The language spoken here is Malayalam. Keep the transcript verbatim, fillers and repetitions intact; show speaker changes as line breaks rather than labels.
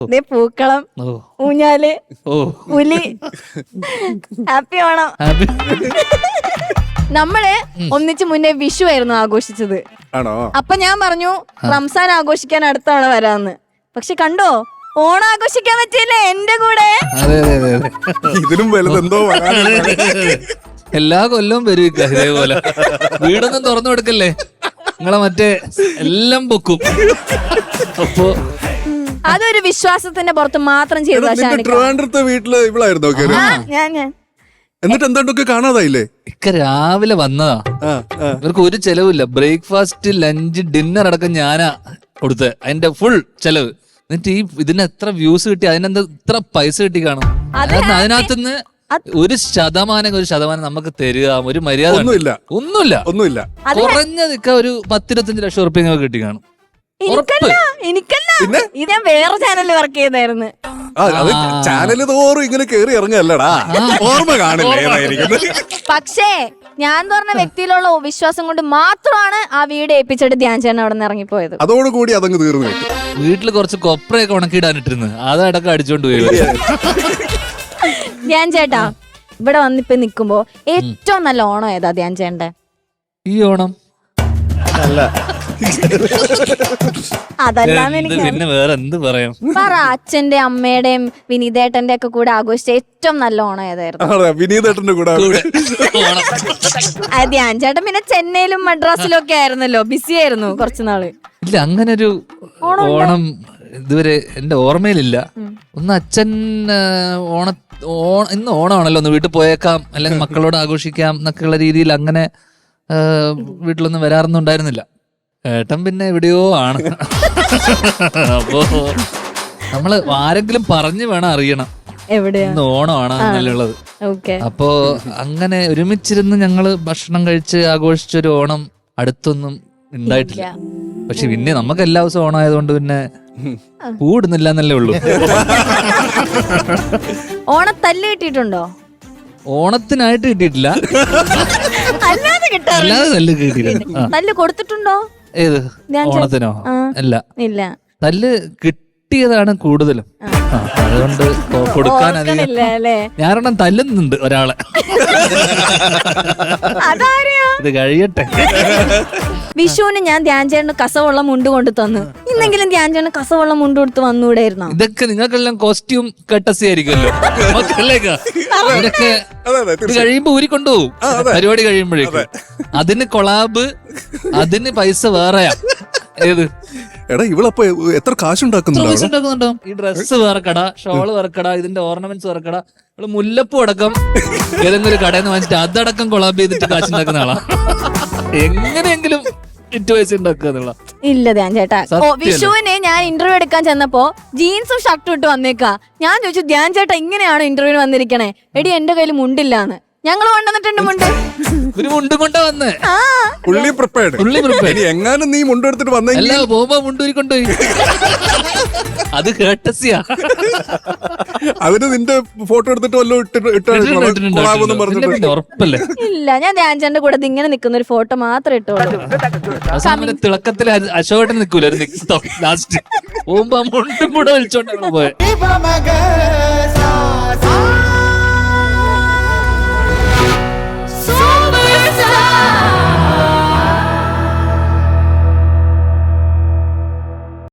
പൂക്കളം, ഊഞ്ഞാല്, പുലി. ഹാപ്പി ഓണം. നമ്മള് ഒന്നിച്ച് മുന്നേ വിഷു ആയിരുന്നു ആഘോഷിച്ചത്. അപ്പൊ ഞാൻ പറഞ്ഞു റംസാൻ ആഘോഷിക്കാൻ അടുത്ത തവണ വരാന്ന്. പക്ഷെ കണ്ടോ, ഓണം ആഘോഷിക്കാൻ പറ്റിയില്ലേ എന്റെ കൂടെ.
ഇതിലും വലുതെന്തോ
എല്ലാ കൊല്ലവും വരും ഇതേപോലെ. വീടൊന്നും തുറന്നു കൊടുക്കല്ലേ, നിങ്ങളെ മറ്റേ എല്ലാം പൊക്കും. അപ്പൊ
അതൊരു വിശ്വാസത്തിന്റെ പുറത്ത് മാത്രം ചെയ്ത
ട്രിവാൻഡ്രത്തെ വീട്ടില് ഇവളായിരുന്നു. എന്നിട്ട് എന്തൊക്കെ കാണാതായില്ലേ?
ഇക്ക രാവിലെ വന്നതാ, ഇവർക്ക് ഒരു ചെലവില്ല. ബ്രേക്ക്ഫാസ്റ്റ്, ലഞ്ച്, ഡിന്നർ അടക്കം ഞാനാ കൊടുത്തത്, അതിന്റെ ഫുൾ ചെലവ്. എന്നിട്ട് ഈ ഇതിന് എത്ര വ്യൂസ് കിട്ടി, അതിനെന്താ ഇത്ര പൈസ കിട്ടി കാണും. അതിനകത്തുനിന്ന് ഒരു ശതമാനം ഒരു ശതമാനം നമുക്ക് തരിക, ഒരു മര്യാദ ഒന്നുമില്ല ഒന്നുമില്ല
ഒന്നുമില്ല
കുറഞ്ഞത് ഇക്ക ഒരു പത്തിരുപത്തഞ്ച് ലക്ഷം ഉറുപ്പിക കിട്ടി കാണും.
എനിക്കല്ല എനിക്കല്ല ഇത് ഞാൻ വേറെ ചാനലിൽ വർക്ക് ചെയ്തായിരുന്നു.
ചാനല് തോറും ഇങ്ങനെ കേറി ഇറങ്ങല്ലടാ, ഓർമ്മ കാണില്ല.
പക്ഷേ ഞാൻ പറഞ്ഞ വ്യക്തിയിലുള്ള വിശ്വാസം കൊണ്ട് മാത്രമാണ് ആ വീട് ഏൽപ്പിച്ചിട്ട് ധ്യാൻ ചേട്ടൻ അവിടെ നിന്ന് ഇറങ്ങിപ്പോയത്.
അതോടുകൂടി അതങ്ങ് തീർന്നു.
വീട്ടില് കുറച്ച് കൊപ്രയൊക്കെ ഉണക്കിയിടാനിട്ടിരുന്നു, അതടക്കം അടിച്ചോണ്ട് പോയി.
ധ്യാൻ ചേട്ടാ, ഇവിടെ വന്നിപ്പോ നിക്കുമ്പോ ഏറ്റവും നല്ല ഓണം ഏതാ ധ്യാൻ ചേട്ടന്റെ?
ഈ ഓണം
അല്ല,
അതല്ലാന്ന് എനിക്ക്
പിന്നെ വേറെ എന്ത് പറയാം.
പറ, അച്ഛന്റെ അമ്മയുടെയും വിനീതേട്ടന്റെ ഒക്കെ കൂടെ ആഘോഷിച്ച ഏറ്റവും നല്ല ഓണം ഏതായിരുന്നു?
വിനീതേട്ടന്റെ കൂടെ
ധ്യാൻ ചേട്ടൻ പിന്നെ ചെന്നൈയിലും മദ്രാസിലും ഒക്കെ ആയിരുന്നല്ലോ, ബിസി ആയിരുന്നു കുറച്ചു നാള്.
ഇല്ല, അങ്ങനെ ഒരു ഓണം ഇതുവരെ എന്റെ ഓർമ്മയിലില്ല. ഒന്ന് അച്ഛൻ ഓണ ഓണ ഇന്ന് ഓണമാണല്ലോ, ഒന്ന് വീട്ടിൽ പോയേക്കാം അല്ലെങ്കിൽ മക്കളോട് ആഘോഷിക്കാം എന്നൊക്കെയുള്ള രീതിയിൽ അങ്ങനെ വീട്ടിലൊന്നും വരാറൊന്നും ഉണ്ടായിരുന്നില്ല. ഏട്ടൻ പിന്നെ എവിടെയോ ആണ്. അപ്പോ നമ്മള് ആരെങ്കിലും പറഞ്ഞു വേണം അറിയണം ഇന്ന് ഓണമാണ് നല്ലുള്ളത്. അപ്പോ അങ്ങനെ ഒരുമിച്ചിരുന്ന് ഞങ്ങള് ഭക്ഷണം കഴിച്ച് ആഘോഷിച്ചൊരു ഓണം അടുത്തൊന്നും ഉണ്ടായിട്ടില്ല. പക്ഷെ പിന്നെ നമുക്ക് എല്ലാ ദിവസവും ഓണായതുകൊണ്ട് പിന്നെ കൂടുന്നില്ല എന്നല്ലേ ഉള്ളൂ.
ഓണത്തല്ല് കിട്ടിയിട്ടുണ്ടോ?
ഓണത്തിനായിട്ട് കിട്ടിയിട്ടില്ല,
അല്ലാതെ
അല്ലാതെ തല്ല് കിട്ടിയിട്ടുണ്ട്.
തല്ല് കൊടുത്തിട്ടുണ്ടോ?
ഏത് ഓണത്തിനോ? അല്ല,
ഇല്ല,
തല്ല് കിട്ടിയതാണ് കൂടുതലും. അതുകൊണ്ട് കൊടുക്കാൻ അധികം ഞാനെണ്ണം തല്ലുന്നുണ്ട് ഒരാളെ. ഇത് കഴിയട്ടെ.
വിഷുവിന് ഞാൻ ധ്യാൻ ചേട്ടന് കസവുള്ള മുണ്ട് കൊണ്ട് തന്നു. ഇന്നെങ്കിലും ധ്യാൻ ചേട്ടന് കസവുള്ള മുണ്ട് കൊടുത്ത് വന്നുകൂടായിരുന്നോ?
ഇതൊക്കെ നിങ്ങൾക്കെല്ലാം കോസ്റ്റ്യൂം കട്ടസി ആയിരിക്കുമല്ലോ. ഇതൊക്കെ ഇത് കഴിയുമ്പോ ഊരിക്കൊണ്ടുപോകും പരിപാടി കഴിയുമ്പോഴേക്കും. അതിന് കൊളാബ്, അതിന് പൈസ വേറെയാ. ഏത്
എടാ, ഇവളപ്പോ എത്ര കാശുണ്ടാക്കുന്നുണ്ടോ?
ഈ ഡ്രസ്സ് വേറെ കട, ഷോള് വേറെ കട, ഇതിന്റെ ഓർണമെന്റ്സ് വേറെ കട. ഇവള് മുല്ലപ്പൂ അടക്കം ഏതെങ്കിലും കടയിൽ നിന്ന് വാങ്ങിച്ചിട്ട് അതടക്കം കൊളാബ് ചെയ്തിട്ട് കാശുണ്ടാക്കുന്ന ആളാ. എങ്ങനെയെങ്കിലും പൈസ ഉണ്ടാക്കുക എന്നുള്ള.
ഇല്ല ധ്യാൻ ചേട്ടാ, വിഷുവിന് ഞാൻ ഇന്റർവ്യൂ എടുക്കാൻ ചെന്നപ്പോ ജീൻസും ഷർട്ടും ഇട്ട് വന്നേക്കാ. ഞാൻ ചോദിച്ചു, ധ്യാൻ ചേട്ടാ ഇങ്ങനെയാണോ ഇന്റർവ്യൂവിന് വന്നിരിക്കണേ? എടി എന്റെ കയ്യിൽ മുണ്ടില്ലാന്ന്. ഞങ്ങള് കൊണ്ടുവന്നിട്ടുണ്ട് മുണ്ട്.
ഒരു മുണ്ട് കൊണ്ടാ വന്നേ.
എങ്ങാനും നീ മുണ്ടെടുത്തിട്ട്
വന്നല്ല, പോകുമ്പോ മുണ്ടൂരി കൊണ്ടുപോയി. അത് കേട്ടസിയാ.
അതിന് നിന്റെ ഫോട്ടോ എടുത്തിട്ട്
ഉറപ്പല്ലേ?
ഇല്ല, ഞാൻ ധ്യാൻ ചേട്ടന്റെ കൂടെ ഇങ്ങനെ നിക്കുന്ന ഒരു ഫോട്ടോ മാത്രം ഇട്ടോളൂ.
തിളക്കത്തിൽ അശോകട്ടൻ നിക്കൂലായിരുന്നു ലാസ്റ്റ്. പോകുമ്പോ മുണ്ടും കൂടെ വിളിച്ചോണ്ടാണ് പോയത്.